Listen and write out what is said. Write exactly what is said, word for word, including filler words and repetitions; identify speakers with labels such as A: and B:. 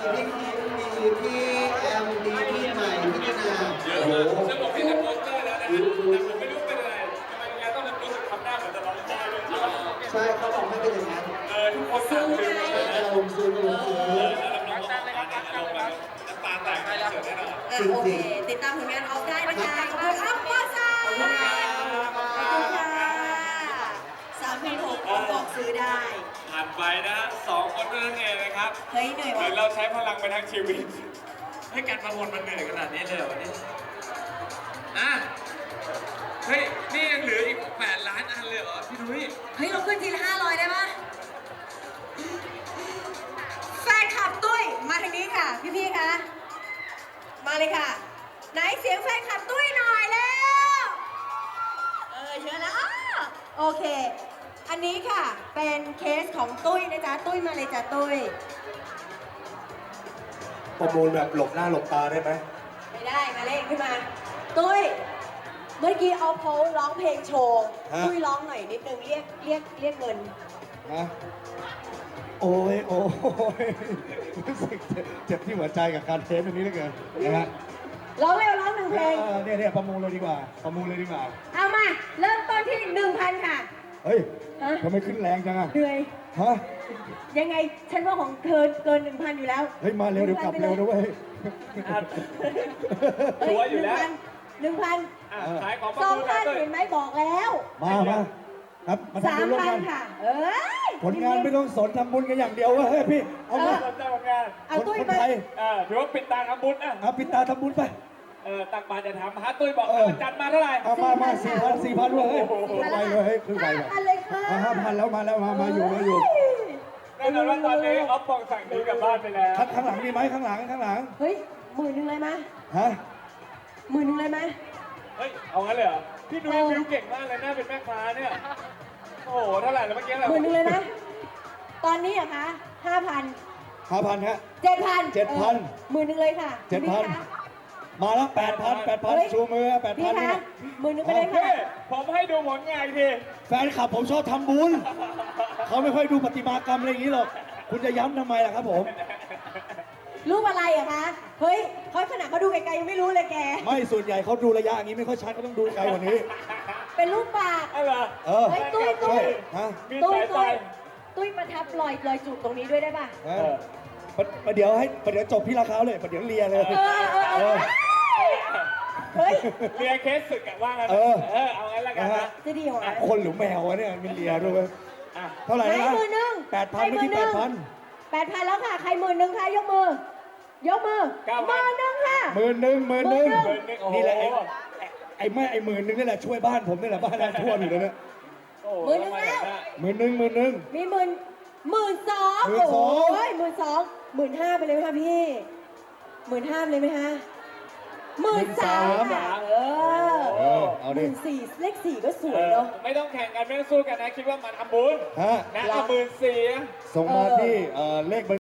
A: พี่คิมมีพี่แอมมีพี่ใหม่พี่นา
B: เยอะมากจะบอกเป็นโปสเตอร์แล้วนะแต่ผมไม่รู้เป็นอะไรทำไมงานต้องรู้สึกทำหน้าเหมือนจะร้องไห้ด้วย
A: ใช่เขาบอกให้เป็นอย่างนั้น
B: เออทุกคนสั่งซื้อมาเลยนะ
A: อารมณ์ซื้ออารมณ์ซื้อ
B: เออแล้วน้องๆออกมาเนี่ยอารมณ์แบบน้ำตาแตกในเสือแน่นอน
C: อ่ะโอเค ติดตามผลงานออฟได้นะคะขอบคุณครับป้าซาขอบคุณค่ะสามพันหกคนบอกซื้อได้
B: ผ่านไปนะฮะสองคนนั่นเองนะครับ
C: เฮ้ยเหนื่อย
B: เหมื
C: ว่ะ
B: อนเราใช้พลังไปทั้งชีวิตให้การประมวลมันเหนื่อยขนาดนี้เลยเหรอวันนี้อ่ะเฮ้ยนี่ยังเหลืออีกแปดล้านอันเลยเหรอพี่นุ้ย
C: เฮ้ยเราขึ้นทีละห้าร้อยได้ปะแฟนคลับตุ้ยมาทางนี้ค่ะพี่ๆคะมาเลยค่ะไหนเสียงแฟนคลับตุ้ยหน่อยแล้วเออเชิญแล้วอ้อโอเค อันนี้ค่ะเป็นเคสของตุ้ยนะจ๊ะตุ้ยมาเลยจ้ะตุ้ย
D: ประมูลแบบหลบหน้าหลบตาได้ไหม
C: ไม่ได้มาเล่นขึ้นมา ตุ้ยเมื่อกี้เอาเขาร้องเพลงโชว์ตุ้ยร้องหน่อยนิดนึงเรียกเรียกเรียกเงิน
D: ฮะโอ้ยโอ้ยรู้สึกเจ็บเจ็บที่หัวใจกับการเทสตรงนี้เหลือเกินนะฮะ
C: ร้องเร็วร้องหนึ่งเพลง
D: เออเนี่ยเนี่ยประมูลเลยดีกว่า ประมูลเลยดีกว่า
C: เอามา เริ่มต้นที่หนึ่งพันค่ะ
D: เฮ้ย
C: ฮะ
D: ทำไมขึ้นแรงจังอะ
C: เหนื่อย
D: ฮะ
C: ยังไง ฉันว่าของเธอเกินหนึ่งพันอยู่แล้ว
D: เฮ้ยมาเร็วเดี๋ยวกลับเร็วนะเว้ย
B: ชัวร์อยู่แล้ว
C: หนึ่งพัน
B: อ่ะขายของประ
C: สอง
B: มูล
C: พัน
B: ด้วย
C: เห็นไหมบอกแล้ว
D: มามาครับมา
C: สา
D: ทำบุ
C: ม
D: ญร่วม
C: พัน
D: กัน
C: ค่ะ เอ้ย
D: ผลงานไม่ต้องสนทำบุญกันอย่างเดียวเว้ยเฮ้ยพี่ เอามา
B: สนใจผลงาน
C: เอา
D: คน
C: ตุ้ย
D: คน
C: มา
D: ไทย
B: เออถือว่าปิดตาทำบุญอ่ะ
D: เอาปิดตาทำบุญไป
B: เออตักบาตรจะทำฮะตุ้ยบอก
D: เออ
B: จัดมาเท่าไหร่
D: เอามามาสี่พันสี่พันเลยเฮ้ย
C: สี่พัน
D: ไป
C: แล้ว
D: เลยเฮ้ยคือไป
C: ห้า
D: แบบ
C: พันเลยค่ะ
D: ห้าพันแล้วมาแล้วมามาอยู่มาอยู่
B: แน่นอนว่าตอนนี้ออฟปองสั่งหนีกลับบ้านไปแล้ว
D: ข้างข้างหลังมีไหมข้างหลังข้างหลัง
C: เฮ้ยหมื่นหนึ่งเลยไหม
D: ฮะ
C: หมื่นหนึ่งเลยไหม
B: เฮ้ย เอางั้นเลยเหรอ พี่นุ้ย
C: เออ
B: วิวเก่งมากเลยน่าเป็นแม่ค้าเนี่ย โอ้โห เท่าไหร่แล้วเมื่อกี้อะไร
C: หมื่นหนึ่งเลยไหมตอนนี้เหรอะคะห้าพัน
D: ห้าพันฮะ
C: เจ็ดพัน
D: เจ็ดพัน
C: หมื่นหนึ่งเลยค่ะ
D: เจ็ดพัน
C: พี่คะ
D: มาแล้วแปดพันแปดพัน
C: เฮ้ย
D: ชูมือแปด
C: พี่
D: พัน
C: คะ
D: เนี่ย
C: หมื่นหนึ่งไปเลยค่ะ
B: พี่ผมให้ดูผลงานอีกที
D: แฟนคลับผมชอบทำบุญเขาไม่ค่อยดูประติมากรรมอะไรอย่างนี้หรอก คุณจะย้ำทำไมล่ะครับผม
C: รูปอะไรอะคะ เฮ้ยเขาขนาดเขาดูไกลๆยังไม่รู้เลยแก
D: ไม่ส่วนใหญ่เขาดูระยะอย่างนี้ไม่ค่อยชัดเขาต้องดูไกลกว่านี้
C: เป็นรูปปาก
B: อะไรอ
D: เออ
C: เฮ้ยตุ้ยตุ้ย
D: ฮะ
B: มี
C: ตุ้ย
B: สายไฟ
C: ตุ้ยตุ้ยประทับรอยรอยจูบตรงนี้ด้วยได้ป่ะ
D: เออประประเดี๋ยวให้ประเดี๋ยวจบพี่ราคาเลยประเดี๋ยวเลียเลย
C: เออเออเออเฮ้ย
B: เรียนเคสศึกอะว่างั้น
D: เออ
B: เออ เอางั้นละกันนะ
C: จะดีเหรอ
D: คนหรือแมววะเนี่ยมันเลียด้วยเว้ย
B: อ่ะ
D: เท่าไหร่
C: ใคร
D: นะ
C: หมื่นหนึ่ง
D: แปดพันไม่ที่แปดพัน
C: แปดพันแล้วค่ะ ใครหมื่นหนึ่งคะยกมือ ยกมือหมื่นหนึ่งค่ะ
D: หมื่นหนึ่งหมื่นหนึ่ง
C: หมื่นหนึ่ง
B: โอ้โห
D: นี่แหละไอ้ไอ้แม่ไอ้หมื่นหนึ่งนี่แหละช่วยบ้านผมนี่แหละบ้านน้ำท่วมอยู่แล้วเนี่ย
B: โอ้โห
C: หมื่นหนึ่งแล้ว
D: หมื่นหนึ่งหมื่นหนึ่ง
C: มีหมื่นหมื่นสอง
D: หมื่นสอง
C: โอ้ยหมื่นสองหมื่นห้าไปเลยไหมคะพี่หมื่นห้าไปเลยไหมคะหมื่นสามค่ะเออ
D: เออเอา
C: ห
D: ดิ
C: มื่นสี่เลขสี่ก็ส
B: เอ
C: วย
B: อ
C: เนาะ
B: ไม่ต้องแข่งกันไม่ต้องสู้กันนะ คิดว่ามาทำบุญ
D: ฮะ
B: นะเอาหมื่นสี่
D: ส่งมาที่เอ่อเลขบัญ